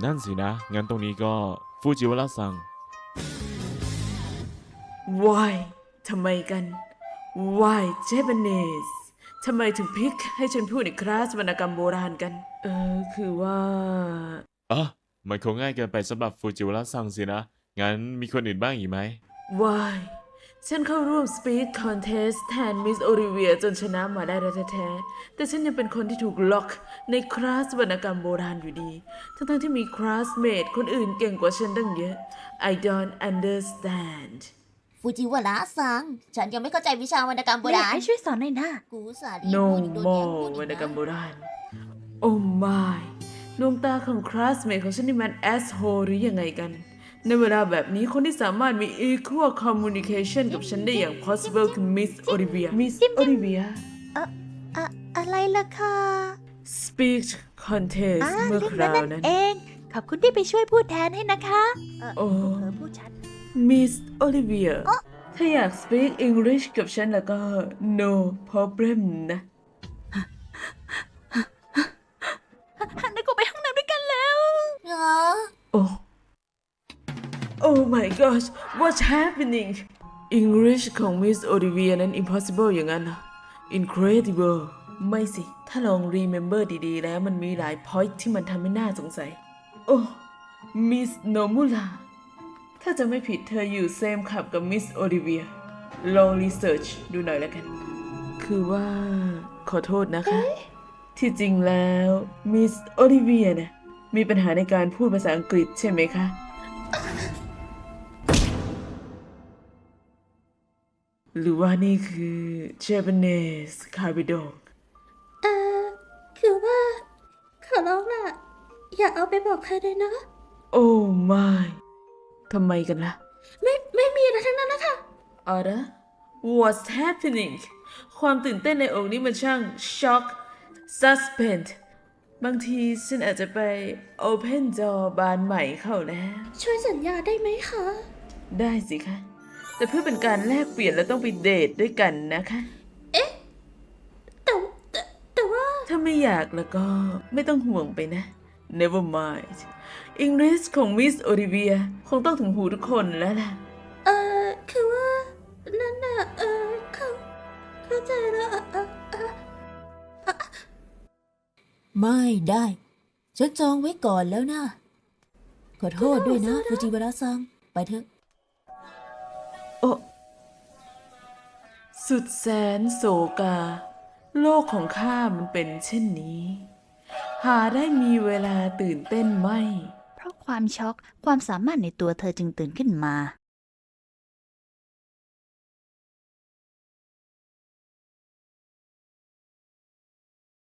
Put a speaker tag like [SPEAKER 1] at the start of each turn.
[SPEAKER 1] นั่นสินะงั้นตรงนี้ก็ฟูจิวาระซัง
[SPEAKER 2] Why ทำไมกัน Why Japanese ทำไมถึงพิกให้ฉันพูดในคลาสวรรณกรรมโบราณกัน คือว่า
[SPEAKER 1] มันคงง่ายเกินไปสำหรับฟูจิวาระซังสินะงั้นมีคนอื่นบ้างอีกไหม
[SPEAKER 2] Why ฉันเข้าร่วม Speak Contest แทนมิสโอลิเวียจนชนะมาได้แท้ๆแต่ฉันยังเป็นคนที่ถูกล็อกในคลาสวรรณกรรมโบราณอยู่ดีทั้งที่มีคลาสเมทคนอื่นเก่งกว่าฉันตั้งเยอะ I don't understand
[SPEAKER 3] ฟูจิวาระซังฉันยังไม่เข้าใจวิชาวรรณกรรมโบ
[SPEAKER 4] ไม่อยาก
[SPEAKER 3] ราณ
[SPEAKER 4] ให้ช่วยสอนหน่อยนะ
[SPEAKER 3] กูสาดี
[SPEAKER 2] No
[SPEAKER 3] พูดอีกโดนแย่ง
[SPEAKER 2] more
[SPEAKER 3] พูด
[SPEAKER 2] วร
[SPEAKER 3] อี
[SPEAKER 2] รณ
[SPEAKER 3] ก
[SPEAKER 2] กรรมโบ
[SPEAKER 3] นะ
[SPEAKER 2] ราณ Oh my ดวงตาของคลาสเมทของฉันนี่มัน asshole หรือยังไงกัน ในเวลาแบบนี้คนที่สามารถมี equal communication กับฉันได้อย่าง possible คือ Miss Olivia Miss Olivia
[SPEAKER 4] อะไรล่ะคะ
[SPEAKER 2] Speech Contest เมื่อ
[SPEAKER 4] เรื่อง
[SPEAKER 2] คราว
[SPEAKER 4] นั้น
[SPEAKER 2] นั้น
[SPEAKER 4] เอง ขอบคุณที่ไปช่วยพูดแทนให้นะคะ
[SPEAKER 2] โอ้
[SPEAKER 4] เผลอพูดชัด
[SPEAKER 2] Miss Olivia ถ้าอยาก speak English กับฉันแล้วก็ no problem นะ
[SPEAKER 4] นึกว่าไปห้องน้ำด้วยกันแล้ว
[SPEAKER 3] เหรอ
[SPEAKER 2] Oh my gosh what's happening English ของ Miss Olivia นั้น impossible อย่างนั้นเหรอ Incredible ไม่สิ ถ้าลอง remember ดีๆ แล้วมันมีหลาย point ที่มันทำให้น่าสงสัย โอ้ Miss Nomura ถ้าจะไม่ผิดเธออยู่ same ขับกับ Miss Olivia ลอง research ดูหน่อยแล้วกัน คือว่าขอโทษนะคะ ที่จริงแล้ว Miss Olivia เนี่ยมีปัญหาในการพูดภาษาอังกฤษใช่ไหมคะ หรือว่านี่คือ Japanese Carbidon
[SPEAKER 4] คือว่า ขอร้องล่ะ อย่าเอาไปบอกใครเลยนะ
[SPEAKER 2] Oh my ทำไมกันล่ะ
[SPEAKER 4] ไม่มีอะไรทั้งนั้นนะคะ
[SPEAKER 2] อะไร What's happening ความตื่นเต้นในอกนี้มันช่าง shock suspense บางทีฉันอาจจะไป open door บานใหม่เข้าแล้ว
[SPEAKER 4] ช่วยสัญญาได้ไหมคะ
[SPEAKER 2] ได้สิคะ แต่เพื่อเป็นการแลกเปลี่ยนและต้องไปเดทด้วยกันนะคะ
[SPEAKER 4] แต่ว่า
[SPEAKER 2] ถ้าไม่อยากแล้วก็ไม่ต้องห่วงไปนะ Never mind English ของ Miss Olivia คงต้องถึงหูทุกคนแล้วล่ะ
[SPEAKER 4] คือว่า นั่นน่ะ เข้าใจแล้ว
[SPEAKER 3] ไม่ได้ ฉันจองไว้ก่อนแล้วนะ ขอโทษด้วยนะฟูจิวาระซังไปเถอะ
[SPEAKER 2] โอ้สุดแสนโศกา โลกของข้ามันเป็นเช่นนี้ หาได้มีเวลาตื่นเต้นไหม
[SPEAKER 4] เพราะความช็อก ความสามารถในตัวเธอจึงตื่นขึ้นมา